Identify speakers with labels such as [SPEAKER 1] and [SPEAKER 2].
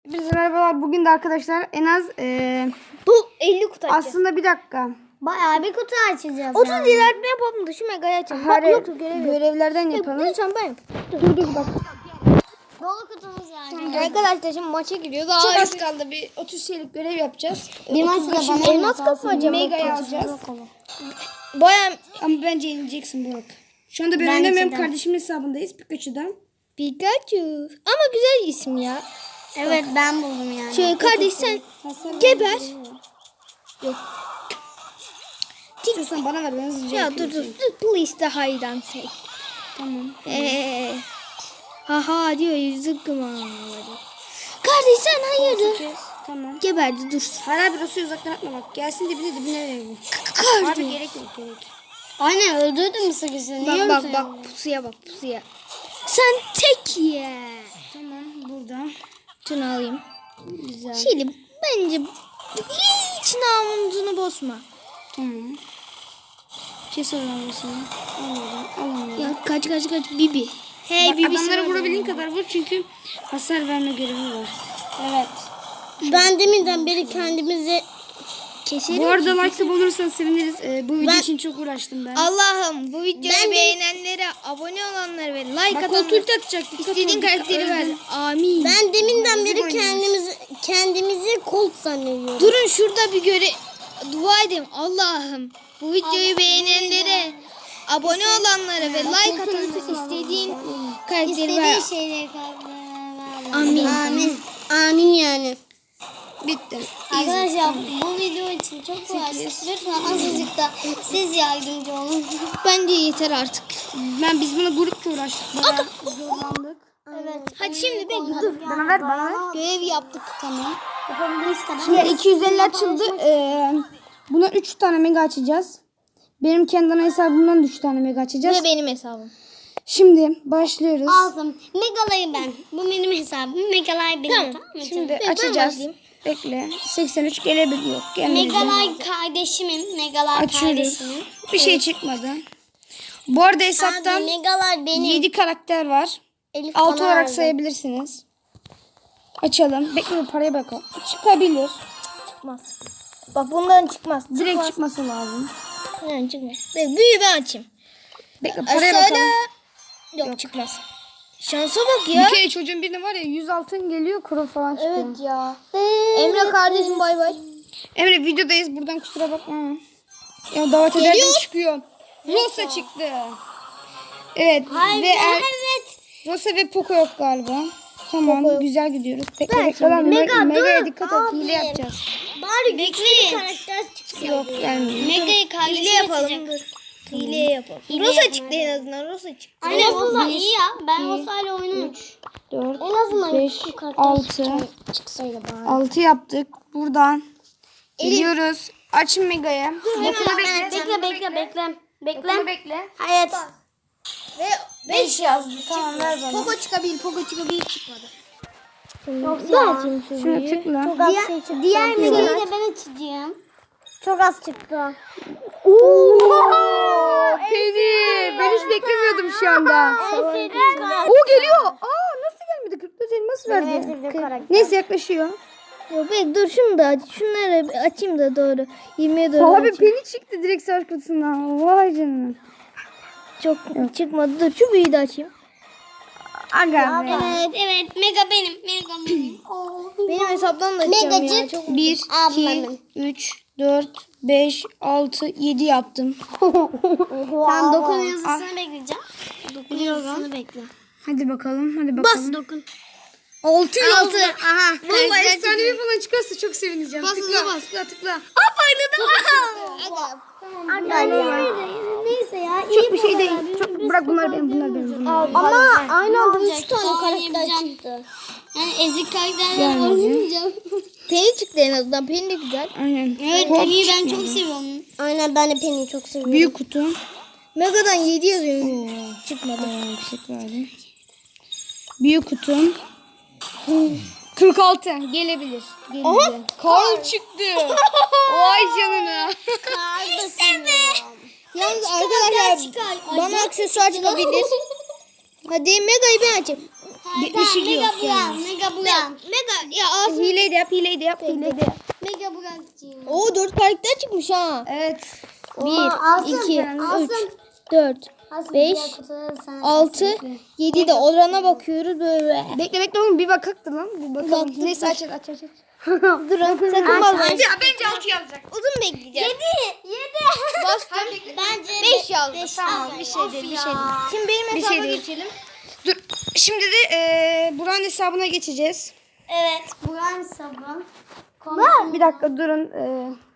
[SPEAKER 1] Hepinize merhabalar. Bugün de arkadaşlar en az
[SPEAKER 2] Bu 50 kutu açacağız.
[SPEAKER 1] aslında bir dakika.
[SPEAKER 2] Bayağı bir kutu açacağız. 30 ilerletme yapalım da şu megayı açalım. Bak
[SPEAKER 1] Hayır,
[SPEAKER 2] yok görev yok.
[SPEAKER 1] görevlerden yapalım.
[SPEAKER 2] Lütfen ben yap.
[SPEAKER 1] Dur bak.
[SPEAKER 2] Dolu kutumuz yani. Arkadaşlar şimdi maça gidiyoruz.
[SPEAKER 1] Çok az kaldı. Bir 30 şeylik görev yapacağız.
[SPEAKER 2] Bir maç da bana elmas kapı acaba.
[SPEAKER 1] Mega'yı alacağız.
[SPEAKER 2] Bayağı
[SPEAKER 1] Ama bence yenileceksin Burak. Şu anda ben oynamıyorum. Kardeşimin hesabındayız Pikachu'dan.
[SPEAKER 2] Pikachu. Ama güzel isim ya.
[SPEAKER 3] Evet ben buldum yani.
[SPEAKER 2] Şöyle kardeş sen
[SPEAKER 1] Hasar
[SPEAKER 2] geber.
[SPEAKER 1] Yok. İstiyorsan bana ver. Ben hızlıca
[SPEAKER 2] Ya
[SPEAKER 1] yapayım
[SPEAKER 2] dur.
[SPEAKER 1] seni.
[SPEAKER 2] Please de hide and say.
[SPEAKER 1] Tamam.
[SPEAKER 2] Haha diyor yüzük kumandaları. Kardeş sen hayırdır?
[SPEAKER 1] Kes. Tamam.
[SPEAKER 2] Geberdi dur.
[SPEAKER 1] Hala bir Rosu'yu uzaktan atma bak. Gelsin dibine verelim.
[SPEAKER 2] Kardeş.
[SPEAKER 1] Abi gerek yok gerek.
[SPEAKER 3] Aynen öldürdün mü sıkışını?
[SPEAKER 2] Bak pusuya bak pusuya. Sen tek ye.
[SPEAKER 1] Tamam burada.
[SPEAKER 2] Şunu alayım.
[SPEAKER 1] Güzel.
[SPEAKER 2] Şimdi bence hiç namusunu bozma.
[SPEAKER 1] Tamam. Kes arabasını. Al.
[SPEAKER 2] Ya kaç Bibi. Hey
[SPEAKER 1] Bak,
[SPEAKER 2] Bibi.
[SPEAKER 1] adamlara vurabildiğin kadar vur çünkü hasar verme görevi var.
[SPEAKER 3] Evet. Ben deminden beri kendimizi
[SPEAKER 2] Keselim.
[SPEAKER 1] Bu arada like olursanız seviniriz. Bu video için çok uğraştım ben.
[SPEAKER 2] Allah'ım bu videoyu beğenenlere, abone olanlara ve like
[SPEAKER 1] Bak o
[SPEAKER 2] atanlara
[SPEAKER 1] tült atacak.
[SPEAKER 2] istediğin karakteri ver. Amin.
[SPEAKER 3] ben deminden
[SPEAKER 1] Bizi
[SPEAKER 3] beri kendimizi Colt zannediyorum.
[SPEAKER 2] Durun şurada bir dua edeyim. Allah'ım bu videoyu beğenenlere, abone olanlara ve like atanlara istediğin karakteri ver.
[SPEAKER 3] İstediği şeyleri
[SPEAKER 2] Amin.
[SPEAKER 3] Amin yani.
[SPEAKER 1] Bitti.
[SPEAKER 3] Arkadaşlar bu video için çok uğraştık. Lütfen azıcık da siz yardımcı olun.
[SPEAKER 2] Bence yeter artık.
[SPEAKER 1] Biz buna grupça uğraştık. Bayağı zorlandık.
[SPEAKER 3] Evet.
[SPEAKER 2] Hadi şimdi bekle dur.
[SPEAKER 1] Bana ver.
[SPEAKER 2] Görev yaptık.
[SPEAKER 3] Tamam. Yapabildiğiniz kadar.
[SPEAKER 1] Şimdi 250 açıldı. Buna 3 tane mega açacağız. Benim kendi ana hesabımdan da 3 tane mega açacağız.
[SPEAKER 2] Bu benim hesabım.
[SPEAKER 1] Şimdi başlıyoruz.
[SPEAKER 3] Aldım. Megalayı ben. Bu benim hesabım. Megalay benim.
[SPEAKER 2] Tamam.
[SPEAKER 3] Tamam mı?
[SPEAKER 1] Şimdi
[SPEAKER 2] Ben
[SPEAKER 1] açacağız.
[SPEAKER 2] başlayayım.
[SPEAKER 1] Bekle. 83 gelebilir yok. Gelmedi.
[SPEAKER 3] Megalay kardeşimin. Megalay
[SPEAKER 1] Açıyoruz.
[SPEAKER 3] kardeşimin.
[SPEAKER 1] Bir şey çıkmadı. Bu arada hesaptan
[SPEAKER 3] Abi Megalay benim.
[SPEAKER 1] 7 karakter var.
[SPEAKER 3] Elif
[SPEAKER 1] 6
[SPEAKER 3] bana
[SPEAKER 1] olarak
[SPEAKER 3] verdi.
[SPEAKER 1] sayabilirsiniz. Açalım. Bekle paraya bakalım. Çıkabilir.
[SPEAKER 2] Çıkmaz. Bak bundan çıkmaz.
[SPEAKER 1] Direkt çıkması lazım.
[SPEAKER 2] Yani çıkmaz. Büyü ben açayım.
[SPEAKER 1] Bekle paraya
[SPEAKER 2] Aşağıda.
[SPEAKER 1] bakalım.
[SPEAKER 2] Yok çıkmaz. Şansa bak ya.
[SPEAKER 1] Bir kere çocuğun birine var ya 100 altın geliyor kuru falan çıkıyor.
[SPEAKER 2] Evet ya. Emre kardeşim bay bay.
[SPEAKER 1] Emre videodayız buradan kusura bakma. Ya davet ederken çıkıyor. Rosa çıktı. Evet.
[SPEAKER 3] Evet.
[SPEAKER 1] Rosa ve Poco yok galiba. Tamam
[SPEAKER 2] Poco yok.
[SPEAKER 1] güzel gidiyoruz. Bekle
[SPEAKER 2] Ben
[SPEAKER 1] bekle lan.
[SPEAKER 3] Mega,
[SPEAKER 1] Mega'ya
[SPEAKER 3] dur.
[SPEAKER 1] dikkat et. Hile yapacağız.
[SPEAKER 3] Bari güçlü bir karakter çıksın.
[SPEAKER 1] Yok gelmiyor.
[SPEAKER 3] Mega'yı kardeşim
[SPEAKER 2] Hile yapalım.
[SPEAKER 3] açacak.
[SPEAKER 2] Dur. Hile yapalım.
[SPEAKER 3] Hile
[SPEAKER 2] Rosa
[SPEAKER 3] yapalım.
[SPEAKER 2] çıktı en azından. Rosa çıktı.
[SPEAKER 3] Aynen Rosa iyi ya. Ben Rosa'yla oynarım.
[SPEAKER 1] 4,
[SPEAKER 3] En azından
[SPEAKER 1] 5,
[SPEAKER 3] bu karakter
[SPEAKER 1] 6.
[SPEAKER 3] çıksaydı bari.
[SPEAKER 1] 6 yaptık. Buradan geliyoruz. Aç Mega'ya.
[SPEAKER 3] Bekle.
[SPEAKER 1] bekle.
[SPEAKER 3] Evet.
[SPEAKER 2] Ve
[SPEAKER 1] 5 yazdı. Tamam ver bana.
[SPEAKER 2] Poco çıkabilir. Poco çıkabilir çıkmadı.
[SPEAKER 3] Çok
[SPEAKER 1] Şuna tıkla.
[SPEAKER 3] Diğer Mega'yı da ben açacağım. Çok az çıktı.
[SPEAKER 1] Peri. Ben hiç beklemiyordum şu anda. O geliyor. Nasıl gelmedi? 44 elmas verdi. Neyse yaklaşıyor.
[SPEAKER 2] Yok be dur şunu da aç. Şunları açayım da doğru. 20'ye doğru
[SPEAKER 1] Abi
[SPEAKER 2] açayım.
[SPEAKER 1] Penny çıktı direkt savaş kutusundan. Vay canına.
[SPEAKER 2] Çok çıkmadı. Dur şu büyüğü de açayım.
[SPEAKER 1] Aga be.
[SPEAKER 3] Evet. Mega benim.
[SPEAKER 2] Benim hesaptan da açacağım ya.
[SPEAKER 3] Megacık.
[SPEAKER 2] Çok...
[SPEAKER 1] 1, 2,
[SPEAKER 3] Ablamın.
[SPEAKER 1] 3, 4, 5, 6, 7 yaptım.
[SPEAKER 3] Tamam 9 yazısını bekleyeceğim. 9 yazısını bekle.
[SPEAKER 1] Hadi bakalım.
[SPEAKER 3] Bas 9.
[SPEAKER 1] 6
[SPEAKER 3] 6. Aha.
[SPEAKER 1] Vallahi efsanevi falan çıkarsa çok sevineceğim.
[SPEAKER 3] Bas,
[SPEAKER 1] tıkla,
[SPEAKER 3] bas.
[SPEAKER 1] tıkla.
[SPEAKER 3] Neyse ya.
[SPEAKER 1] Çok bir şey değil. Çok, bırak bunlar benim.
[SPEAKER 3] Ama aynı anda 3 tane karakter çıktı. Yani ezik karakterler oynamayacağım.
[SPEAKER 2] Penny çıktı en azından. Penny de güzel.
[SPEAKER 1] Aynen.
[SPEAKER 3] Evet
[SPEAKER 1] Hop
[SPEAKER 3] Penny'yi ben
[SPEAKER 1] çıkmadı.
[SPEAKER 3] çok seviyorum. Aynen ben de Penny'yi çok seviyorum.
[SPEAKER 1] Büyük kutu.
[SPEAKER 2] Mega'dan 7 yazıyor. Çıkmadı.
[SPEAKER 1] Yüksek verdi. Büyük kutu. 46 gelebilir. Karl çıktı. Vay canına.
[SPEAKER 2] Yalnız arkadaşlar bana aksesuar çıkabilir. Hadi Mega'yı ben açayım.
[SPEAKER 1] 72 yok yani.
[SPEAKER 3] Mega bulan.
[SPEAKER 2] Mega ya Asım.
[SPEAKER 1] Hileyi de yap, hileyi de yap, hileyi de yap.
[SPEAKER 3] Mega bulan.
[SPEAKER 2] Oo 4 karakter çıkmış ha.
[SPEAKER 1] Evet.
[SPEAKER 2] 1, 2, 3, 4, 5, 6, 7 de orana bakıyoruz böyle.
[SPEAKER 1] Bekle oğlum, bir bakaktı lan. Bir bakalım. Neyse aç.
[SPEAKER 2] Durun sakın basmayın.
[SPEAKER 1] Ya bence 6 yazacak.
[SPEAKER 2] Uzun bekleyeceğiz.
[SPEAKER 3] 7.
[SPEAKER 2] Bastım.
[SPEAKER 3] Bence
[SPEAKER 2] 5 yazdı. Tamam bir şey değil bir şey değil. Şimdi benim
[SPEAKER 1] Bir
[SPEAKER 2] hesaba
[SPEAKER 1] şey değil.
[SPEAKER 2] geçelim.
[SPEAKER 1] Dur. Şimdi de Burak'ın hesabına geçeceğiz.
[SPEAKER 3] Evet. Buran sabun.
[SPEAKER 1] Bir dakika durun.